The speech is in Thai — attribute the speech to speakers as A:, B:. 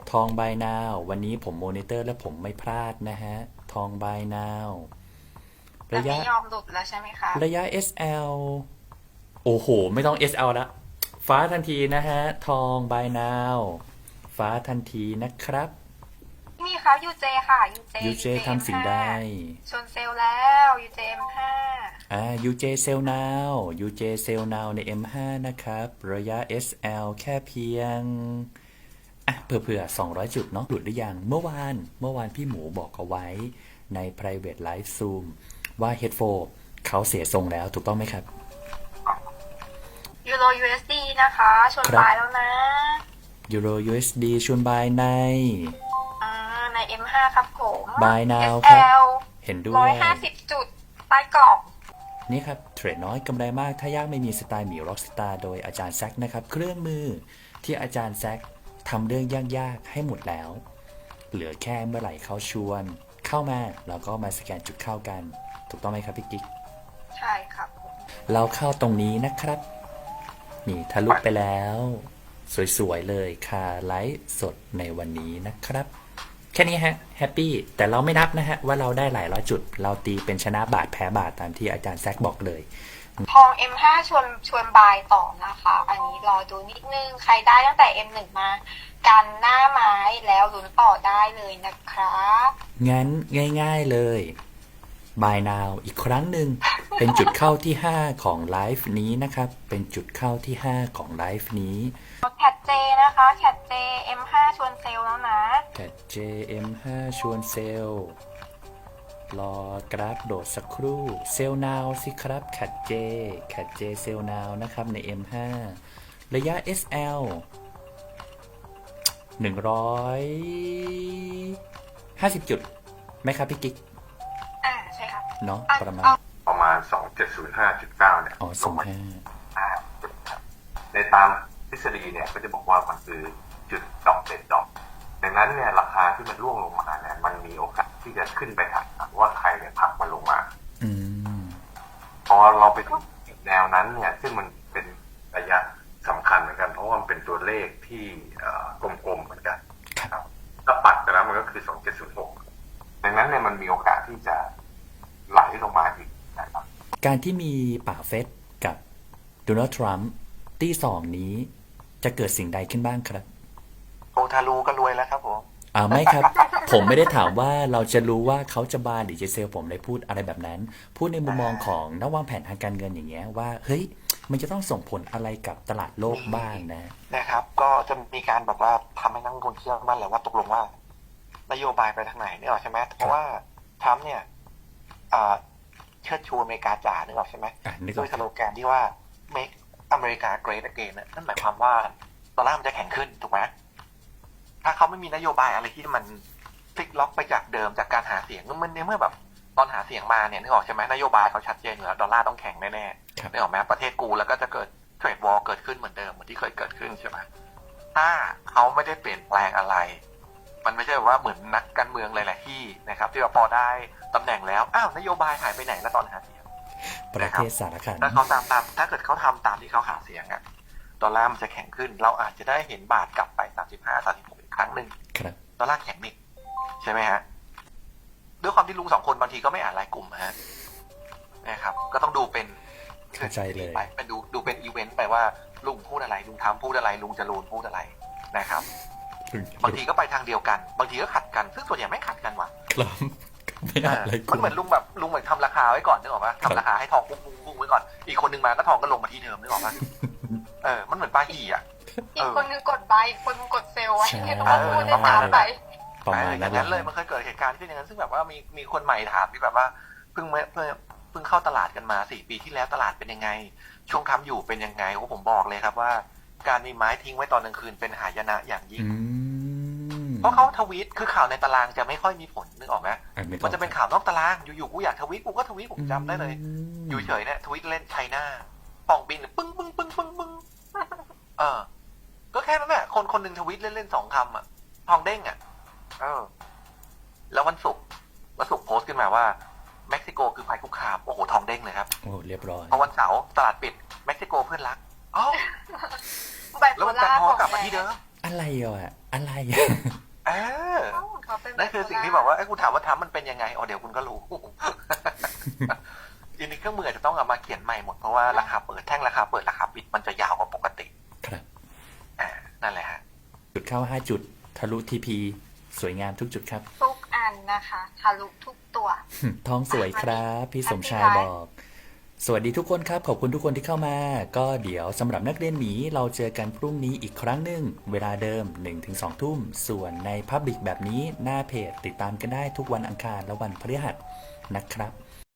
A: ทองบายนาววันนี้ผมโมนิเตอร์และผมไม่พลาดนะฮะทองบายนาว
B: แต่
A: ระยะ
B: ไม่ยอมหลุดแล้วใช่ไหมคะ
A: ระยะ SL โอ้โหไม่ต้อง SL แล้วฟ้าทันทีนะฮะทองบายนาวฟ้าทันทีนะครับ
B: นี่ครับยูเจค่ะยูเจ
A: ยูเจ
B: ยูเจเอ็ม
A: ทำสิ่ง
B: ห้า
A: ใด
B: ชนเซลล์แล้วยูเจเอ็มห้า
A: UJ Sell Now UJ Sell Now ใน M5 นะครับระยะ SL แค่เพียงเผื่อ200จุดเนาะหลุดหรือยังเมื่อวานพี่หมูบอกเอาไว้ใน private live zoom ว่า Headphone เขาเสียทรงแล้วถูกต้องไหมครับ
B: ยูโร USD นะคะชน
A: ครับ
B: ปลายแล้วนะ
A: Euro USD ชวน buy ใน
B: ใน M5 ครับผม
A: buy now ครับ
B: SL
A: เห็นด้
B: ร้
A: วย
B: อยห้าสิบจุดใต้กรอบ
A: นี่ครับเทรดน้อยกำไรมากถ้ายากไม่มีสไตล์หมีร็อกสตาร์โดยอาจารย์แซกนะครับเครื่องมือที่อาจารย์แซกทำเรื่องยากๆให้หมดแล้วเหลือแค่เมื่อไหร่เขาชวนเข้ามาแล้วก็มาสแกนจุดเข้ากันถูกต้องไหมครับพี่กิ๊ก
B: ใช่ครับผม
A: เราเข้าตรงนี้นะครับนี่ทะลุไปแล้วสวยๆเลยค่ะไลฟ์สดในวันนี้นะครับแค่นี้ฮะแฮปปี้แต่เราไม่นับนะฮะว่าเราได้หลายร้อยจุดเราตีเป็นชนะบาทแพ้บาทตามที่อาจารย์แซกบอกเลย
B: ทอง M5 ชวนบายต่อนะคะอันนี้รอดูนิดนึงใครได้ตั้งแต่ M1 มากันหน้าไม้แล้วลุ้นต่อได้เลยนะครับ
A: งั้นง่ายๆเลย Buy Now อีกครั้งหนึ่งเป็นจุดเข้าที่5ของไลฟ์นี้นะครับเป็นจุดเข้าที่5ของไลฟ์นี้
B: แคทเจนะคะแคทเจ M5 ชวนเซลล์แล้วนะ
A: แคท JM5 ชวนเซลล์รอกราฟโดดสักครู่เซลล์ Now สิครับแคท J เซลล์ Now นะครับใน M5 ระยะ SL 150จุดไหมครับพี่กิ๊ก
B: ใช่ครับ
A: เนาะประมาณ
C: 2705.9เนี่ย
A: อ๋อ
C: ลงมา
A: 05
C: ในตามทฤษฎีเนี่ยก็จะบอกว่ามันคือจุดดอกเด็ดดอกดังนั้นเนี่ยราคาที่มันร่วงลงมาเนี่ยมันมีโอกาสที่จะขึ้นไปถักว่าใครเนี่ยผลักมันลงมา
A: อืม
C: พอเราไปถึงแนวนั้นเนี่ยซึ่งมันเป็นระยะสำคัญเหมือนกันเพราะว่ามันเป็นตัวเลขที่กลมๆเหมือนกันครับถ้าปัดไปแล้วมันก็คือ2706ดังนั้นเนี่ยมันมีโอกาสที่จะไหลลงมาอีกนะครับ
A: การที่มีป่าเฟสกับโดนัลด์ทรัมป์ที่สองนี้จะเกิดสิ่งใดขึ้นบ้างครับ
C: โอทารูก็รวยแล้วครับผม
A: ไม่ครับ ผมไม่ได้ถามว่าเราจะรู้ว่าเขาจะบายหรือจะเซลล์ผมเลยพูดอะไรแบบนั้น พูดในมุมมองของนักวางแผนทางการเงินอย่างเงี้ยว่าเฮ้ยมันจะต้องส่งผลอะไรกับตลาดโลกบ้าง
D: นะครับก็จะมีการแบบว่าทำให้นักลงทุนเชื่อมั่นแหละว่าตกลงว่านโยบายไปทางไหนนึกออกใช่ไหมเพราะว่าทรัมป์เนี่ยเชิดชูอเมริกาจ๋านึกออกใช่ไหมด้วยสโลแกนที่ว่า make America great again นั่นหมายความว่าดอลลาร์มันจะแข็งขึ้นถูกไหมถ้าเขาไม่มีนโยบายอะไรที่มันพลิกล็อกไปจากเดิมจากการหาเสียงมันในเมื่อแบบตอนหาเสียงมาเนี่ยนึกออกใช่ไหมนโยบายเขาชัดเจนอยู่แล้วดอลลาร์ต้องแข็งแน่ๆนึกออกไหมประเทศกูแล้วก็จะเกิดเทรดวอร์เกิดขึ้นเหมือนเดิมเหมือนที่เคยเกิดขึ้นใช่ไหมถ้าเขาไม่ได้เปลี่ยนแปลงอะไรมันไม่ใช่ว่าเหมือนนักการเมืองหลายๆที่นะครับที่ว่าพอได้ตำแหน่งแล้วนโยบายหายไปไหนแล้วตอนหาเสียง
A: ประเทศสารคัน
D: ถ้าเขาถ้าเกิดเขาทำตามที่เขาหาเสียงดอลลาร์มันจะแข็งขึ้นเราอาจจะได้เห็นบาทกลับไป35-36อีกครั้งหนึ่งดอลลาร์แข็งอีกใช่ไหมฮะด้วยความที่ลุง2คนบางทีก็ไม่อ่านรายกลุ่มฮะนะครับก็ต้องดูเป็น
A: เข้าใจเลย
D: ไปเป็นดูเป็นอีเวนต์ไปว่าลุงพูดอะไรลุงทำพูดอะไรลุงจรูนพูดอะไรนะครับบางทีก็ไปทางเดียวกันบางทีก็ขัดกันซึ่งส่วนใหญ่ไม่ขัดกันว่ะ
A: ครับไม่อ่านรายกลุ่
D: มันเหมือนลุงเหมือนทำราคาไว้ก่อนนึกออกปะทำราคาให้ทองพุ่งไว้ก่อนอีกคนนึงมาก็ทองก็ลงมาที่เดิมนึกออกปะมันเหมือนปลาหี่
B: อีกคนนึงกดบายอีกคนนึงกดเซลล์ไว้ให้เขาพูดได้ตามไป
A: ประมาณ
D: นั้นเลยมันเคยเกิดเหตุการณ์ขึ้นอย่างนั้นซึ่งแบบว่ามีคนใหม่ถามที่แบบว่าเพิ่งเข้าตลาดกันมา4 ปีที่แล้วตลาดเป็นยังไงช่วงค้ำอยู่เป็นยังไงผมบอกเลยครับว่าการมีไม้ทิ้งไว้ตอนกลางคืนเป็นหายนะอย่างยิ่งเพราะเขาทวีตคือข่าวในตารางจะไม่ค่อยมีผลนึกออกไหมมันจะเป็นข่าวนอกตารางอยู่ๆกูอยากทวีตกูก็ทวีตผมจำได้เลยอยู่เฉยเนี่ยทวีตเล่นไชน่าป่องบินปึ้งปึ้งปึ้งปึ้งปึ้งก็แค่นั้นแหละคนหนึ่งทวีตเล่น2 คำทองเด้งแล้ววันศุกร์โพสต์ขึ้นมาว่าเม็กซิโกคือภัยคุกคามโอ้โหทองเด้งเลยครับ
A: โอ้เรียบร้อย
D: พอวันเสาร์ตลาดปิดเม็กซิโกเพื่อนรักแล้วมันกลับมาที่เดิม
A: อะไรอะไร
D: เออ
B: เขาเป็น
D: นั่นคือสิ่งที่บอกว่าไอ้ยกูถามว่าทำมันเป็นยังไงอ๋อเดี๋ยวคุณก็รู้ ทีนี้เครื่องมืออาจจะต้องเอามาเขียนใหม่หมดเพราะว่าราคาเปิดแท่งราคาเปิดราคาปิดมันจะยาวกว่าปกติ
A: ครับ
D: นั่นแหละฮะ
A: จุดเข้า 5 จุด ทะลุทีพีสวยงามทุกจุดครับ
B: ทุกอันนะคะทะลุทุกตัว
A: ท้องสวยครับ พี่สมชายบอก สวัสดีทุกคนครับ ขอบคุณทุกคนที่เข้ามา ก็เดี๋ยวสำหรับนักเรียนหมีเราเจอกันพรุ่งนี้อีกครั้งหนึ่งเวลาเดิม 1-2 ทุ่ม ส่วนใน Public แบบนี้หน้าเพจติดตามกันได้ทุกวันอังคารและวันพฤหัสนะครับ